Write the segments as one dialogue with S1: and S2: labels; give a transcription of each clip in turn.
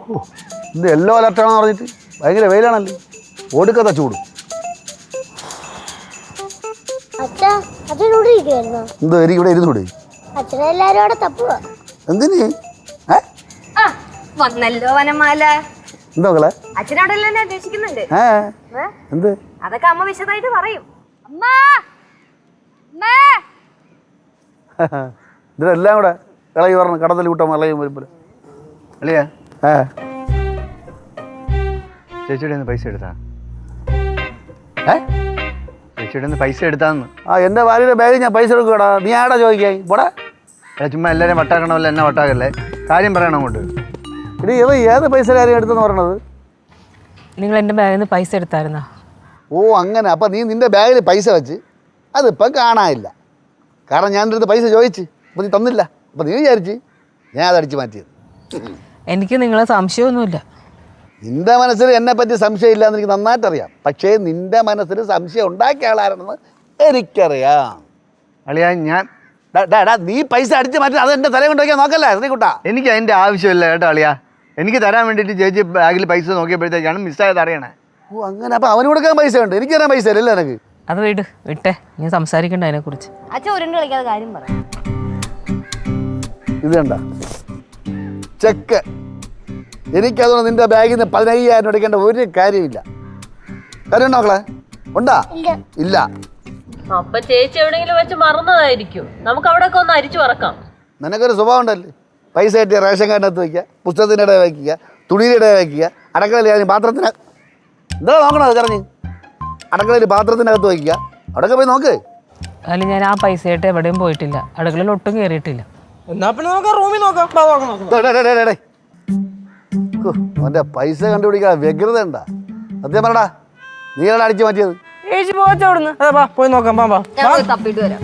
S1: ഓ ഇത് യെല്ലോ അലർട്ടാണെന്ന് പറഞ്ഞിട്ട് ഭയങ്കര വെയിലാണല്ലോ, ഓടുക്കത്ത ചൂട്. എന്തോ എനിക്ക് ഇവിടെ ഇരുന്നൂടെ? എന്തിന്?
S2: വന്നല്ലോ വനമാല.
S1: എന്താ മക്കളെ?
S2: അച്ഛനോടെല്ലാം എന്നെ അന്വേഷിക്കുന്നുണ്ട്.
S1: എന്ത്?
S2: അതൊക്കെ അമ്മ വിശദമായിട്ട് പറയും. അമ്മ
S1: ഇതിലെല്ലാം കൂടെ ഇളകി പറഞ്ഞു കടത്തിൽ കൂട്ടാൻ ഇളകി വരുമ്പോൾ
S3: അളിയാ ചേച്ചിയുടെ പൈസ എടുത്താ? ചേച്ചിയുടെ പൈസ എടുത്താന്ന്.
S1: എൻ്റെ ഭാര്യയുടെ ബാഗിൽ ഞാൻ പൈസ എടുക്കൂടാ, നീ ആടാ ചോദിക്കായി പോടാ.
S3: ചുമ്മാ എല്ലാവരും വട്ടാക്കണമല്ലോ, എന്നെ വട്ടാക്കല്ലേ, കാര്യം പറയണം അങ്ങോട്ട്.
S1: ഇനി ഇവ ഏത് പൈസ കാര്യം എടുത്തെന്ന് പറയണത്?
S4: നിങ്ങൾ എൻ്റെ ബാഗിൽ നിന്ന് പൈസ എടുത്തായിരുന്നോ?
S1: ഓ അങ്ങനെ. അപ്പം നീ നിൻ്റെ ബാഗിൽ പൈസ വെച്ച് അതിപ്പം കാണാനില്ല. കാരണം ഞാൻ എൻ്റെ അടുത്ത് പൈസ ചോദിച്ച് അപ്പം നീ തന്നില്ല. അപ്പം നീ വിചാരിച്ച് ഞാൻ അതടിച്ച് മാറ്റിയത്.
S4: എനിക്ക് നിങ്ങളെ സംശയമൊന്നുമില്ല.
S1: നിൻ്റെ മനസ്സിൽ എന്നെപ്പറ്റി സംശയം ഇല്ല എന്ന് എനിക്ക് നന്നായിട്ട് അറിയാം. പക്ഷേ നിൻ്റെ മനസ്സിൽ സംശയം ഉണ്ടാക്കിയ ആളാരെന്ന് എനിക്കറിയാം.
S3: അളിയാ ഞാൻ
S1: നീ പൈസ അടിച്ച് മാറ്റി അത് എൻ്റെ തല കൊണ്ട് വയ്ക്കാൻ നോക്കല്ലേ ശ്രീകുട്ടാ.
S3: എനിക്ക് അതിൻ്റെ ആവശ്യമില്ല കേട്ടോ അളിയാ. എനിക്ക് തരാൻ വേണ്ടിയിട്ട് ചേച്ചി ബാഗിൽ പൈസ നോക്കിയപ്പോഴത്തേക്കാണ് മിസ്സായത് അറിയണേ.
S1: ഓ അങ്ങനെ. അപ്പം അവന് കൊടുക്കാൻ പൈസ ഉണ്ട്, എനിക്ക് തരാൻ പൈസ ഇല്ലല്ലോ എനിക്ക്.
S4: അത് വിട്ടേ, ഞാൻ സംസാരിക്കണ്ട അതിനെക്കുറിച്ച്.
S2: അച്ഛൻ ഉരുണ്ട് കളിക്കാതെ കാര്യം പറ.
S1: ഇത് കണ്ട ചെക്ക്. എനിക്കതുകൊണ്ട് നിന്റെ ബാഗിൽ നിന്ന് 15,000 എടുക്കേണ്ട ഒരു കാര്യമില്ല. കാര്യമുണ്ടോ മക്കളെ? ഉണ്ടാ? ഇല്ല.
S5: അപ്പൊ ചേച്ചി എവിടെയെങ്കിലും വെച്ച് മറന്നതായിരിക്കും. നമുക്ക് അവിടെ ഒക്കെ ഒന്ന് അരിച്ചു പറക്കാം.
S1: നിനക്കൊരു സ്വഭാവം ഉണ്ടല്ലേ, പൈസ കിട്ടിയ റേഷൻ കാർഡിനകത്ത് വയ്ക്കുക, പുസ്തകത്തിൻ്റെ ഇടയിൽ വയ്ക്കുക, തുണിയുടെ ഇടയിൽ വയ്ക്കുക, അടുക്കളയിൽ പാത്രത്തിന് എന്താ നോക്കണത് കറഞ്ഞ് അടുക്കളയിൽ പാത്രത്തിനകത്ത് വയ്ക്കുക. അവിടെയൊക്കെ പോയി നോക്ക്.
S4: അതിൽ ഞാൻ ആ പൈസയായിട്ട് എവിടെയും പോയിട്ടില്ല, അടുക്കളയിൽ ഒട്ടും കയറിയിട്ടില്ല.
S1: അവൻ്റെ പൈസ കണ്ടുപിടിക്കാൻ വ്യഗ്രത ഉണ്ടാ. സത്യം പറടാ, നീയാണ് അടിച്ചു മാറ്റിയത്.
S4: പോയി നോക്കാം.
S2: തപ്പിട്ട് വരാം.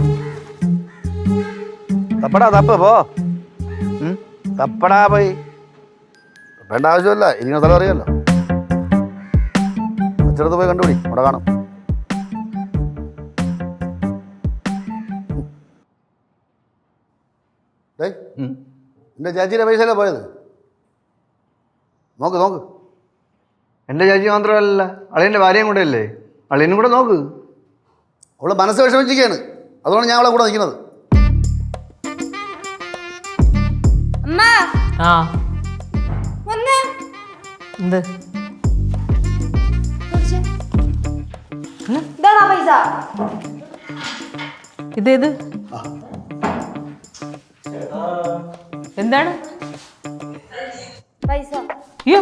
S1: തപ്പടാ, തപ്പ് പോ. തപ്പടാ പോയി. വേണ്ട ആവശ്യമില്ല, ഇരിക്കുന്ന സ്ഥലം അറിയാമല്ലോ. അച്ചടത്ത് പോയി കണ്ടുപിടി, അവിടെ കാണും. എൻ്റെ ചേച്ചിയുടെ പൈസ അല്ലേ പോയത്? നോക്ക് നോക്ക്.
S3: എൻ്റെ ചേച്ചി മാത്രമല്ല, അളിയൻ്റെ ഭാര്യയും കൂടെ അല്ലേ, അളിയനും കൂടെ നോക്ക്.
S1: അവള് മനസ്സ് വിഷമിച്ചിരിക്കുകയാണ്, അതുകൊണ്ട് ഞാൻ അവളെ കൂടെ നിൽക്കുന്നത്.
S4: എന്ത്? ഇതേത്? എന്താണ്
S2: പൈസ?
S4: അയ്യോ,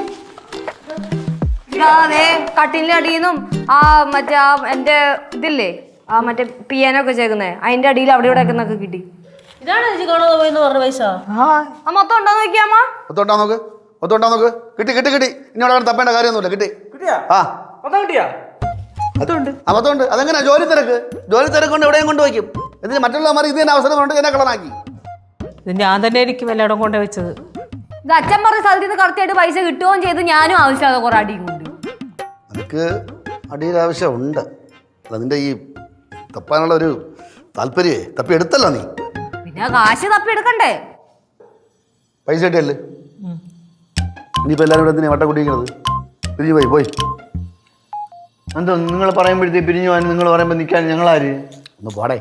S2: കട്ടിലിന്റെ അടിയിന്നും ആ മറ്റേ ആ എന്റെ ഇതില്ലേ, ആ മറ്റേ പിയാനൊക്കെ ചേക്കുന്നേ, അതിന്റെ അടിയിൽ അവിടെ ഇവിടെ ഒക്കെ കിട്ടി.
S5: ഇതാണ് ചേച്ചി കാണാതെ പോയെന്ന് പറഞ്ഞ പൈസ.
S2: ആ മൊത്തം ഉണ്ടോ നോക്കിയാമ്മ?
S1: ഒത്തോണ്ടാ നോക്ക്, ഒത്തോണ്ടാ നോക്ക്. കിട്ടി കിട്ടി കിട്ടി. ഇനി അവിടെ തപ്പേണ്ട കാര്യമൊന്നുമില്ല. കിട്ടി. ആ മൊത്തമുണ്ട്. അതെങ്ങനെ? ജോലി തിരക്ക്. ജോലി തിരക്ക് കൊണ്ട് എവിടെയും കൊണ്ടുവയ്ക്കും. എന്നിട്ട് മറ്റുള്ളവന്മാർ ഇത് തന്നെ അവസരം കൊണ്ട് എന്നെ കളനാക്കി.
S4: ഇത് ഞാൻ തന്നെ ആയിരിക്കും എല്ലായിടം കൊണ്ടു വെച്ചത്.
S2: ഇത് അച്ഛൻ പറഞ്ഞ സ്ഥലത്ത് നിന്ന് കറക്റ്റായിട്ട് പൈസ കിട്ടുകയും ചെയ്ത് ഞാനും ആവശ്യമില്ലാതെ കുറെ അടിയും കൊണ്ട്.
S1: എനിക്ക് അടിയുടെ ആവശ്യമുണ്ട്. അതിൻ്റെ ഈ തപ്പാനുള്ള ഒരു താല്പര്യമേ തപ്പി എടുത്തല്ലോ നീ.
S2: പിന്നെ കാശ് തപ്പി എടുക്കണ്ടേ?
S1: പൈസ കിട്ടിയല്ലേ? ഇനിയിപ്പോൾ എല്ലാവരും ഇവിടെ എന്തിനാ വട്ടം കൂട്ടിയിരിക്കുന്നത്? പിരിഞ്ഞു പോയി പോയി.
S3: എന്തോ നിങ്ങൾ പറയുമ്പോഴത്തേക്ക് പിരിഞ്ഞു പോകാൻ, നിങ്ങൾ പറയുമ്പോൾ നിൽക്കാൻ ഞങ്ങളാര്?
S1: ഒന്ന് പോടേ.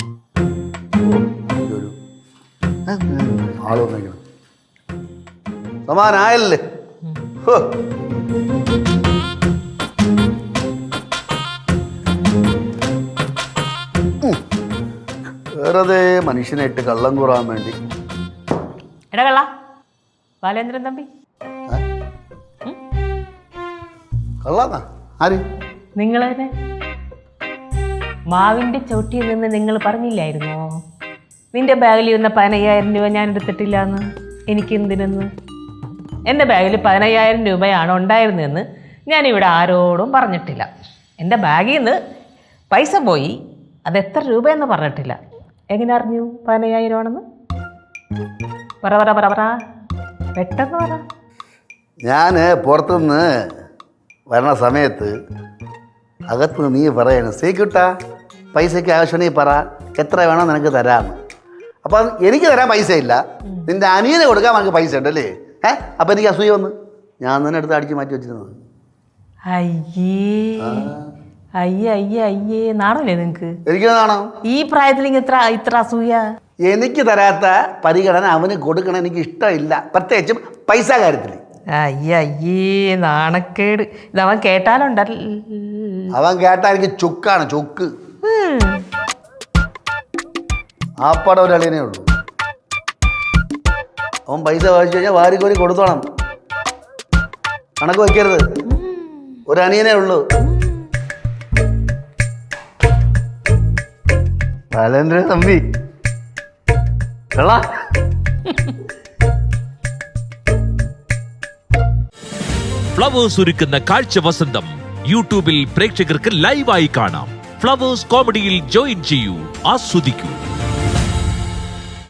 S1: ഒരു ആള് വന്നേക്കണം. സമാനായല്ലേ? വെറുതെ മനുഷ്യനായിട്ട് കള്ളം കൂറാൻ വേണ്ടി.
S4: എടാ കള്ള ബാലേന്ദ്രൻ തമ്പി,
S1: കള്ളാന്നാ? ആര്?
S4: നിങ്ങൾ തന്നെ മാവിന്റെ ചവിട്ടിയിൽ നിന്ന് നിങ്ങൾ പറഞ്ഞില്ലായിരുന്നോ നിന്റെ ബാഗിൽ ഇരുന്ന 15,000 രൂപ ഞാൻ എടുത്തിട്ടില്ല എന്ന്? എനിക്ക് എന്തിനെന്ന്? എൻ്റെ ബാഗിൽ 15,000 രൂപയാണ് ഉണ്ടായിരുന്നതെന്ന് ഞാനിവിടെ ആരോടും പറഞ്ഞിട്ടില്ല. എൻ്റെ ബാഗിൽ നിന്ന് പൈസ പോയി, അത് എത്ര രൂപയെന്ന് പറഞ്ഞിട്ടില്ല. എങ്ങനെ അറിഞ്ഞു 15,000 ആണെന്ന്? പറ പറ പറ പറ, പെട്ടെന്ന് പറ.
S1: ഞാൻ പുറത്തുനിന്ന് വരണ സമയത്ത് അകത്തുനിന്ന് നീ പറയണം, സീക്കിട്ടാ പൈസയ്ക്ക് ആവശ്യമുണ്ടെങ്കിൽ പറ, എത്ര വേണോ നിനക്ക് തരാമെന്ന്. അപ്പം എനിക്ക് തരാൻ പൈസ ഇല്ല, നിൻ്റെ അനിയനെ കൊടുക്കാൻ നമുക്ക് പൈസ ഉണ്ടല്ലേ? അപ്പം എനിക്ക് അസൂയ വന്ന് ഞാൻ തന്നെ എടുത്ത് അടിച്ച് മാറ്റി വെച്ചിരുന്നത്.
S4: അയ്യേ അയ്യേ അയ്യേ അയ്യേ നാണല്ലേ നിങ്ങക്ക്?
S1: എനിക്ക് കാണാം.
S4: ഈ പ്രായത്തിൽ ഇത്ര അസൂയ?
S1: എനിക്ക് തരാത്ത പരിഗണന അവന് കൊടുക്കണം എനിക്ക് ഇഷ്ടമില്ല, പ്രത്യേകിച്ചും പൈസ കാര്യത്തിൽ.
S4: അയ്യേ അയ്യേ നാണക്കേട്. ഇതവൻ കേട്ടാലുണ്ടല്ല.
S1: അവൻ കേട്ടാ എനിക്ക് ചുക്കാണ്, ചുക്ക്. ആപ്പാടെ ഒരു അളിയനേ ഉള്ളൂ. അവൻ പൈസ വാങ്ങിച്ചു കഴിഞ്ഞാൽ വാരിക്കോരി കൊടുത്തോണം, കണക്ക് വയ്ക്കരുത്. ഒരു അനിയനേ ഉള്ളൂ.
S3: ബാലേന്ദ്ര തമ്പി
S6: ഫ്ലവേഴ്സ് ഒരുക്കുന്ന കാഴ്ച വസന്തം യൂട്യൂബിൽ പ്രേക്ഷകർക്ക് ലൈവായി കാണാം. ഫ്ലവേഴ്സ് കോമഡിയിൽ ജോയിൻ ചെയ്യൂ, ആസ്വദിക്കൂ.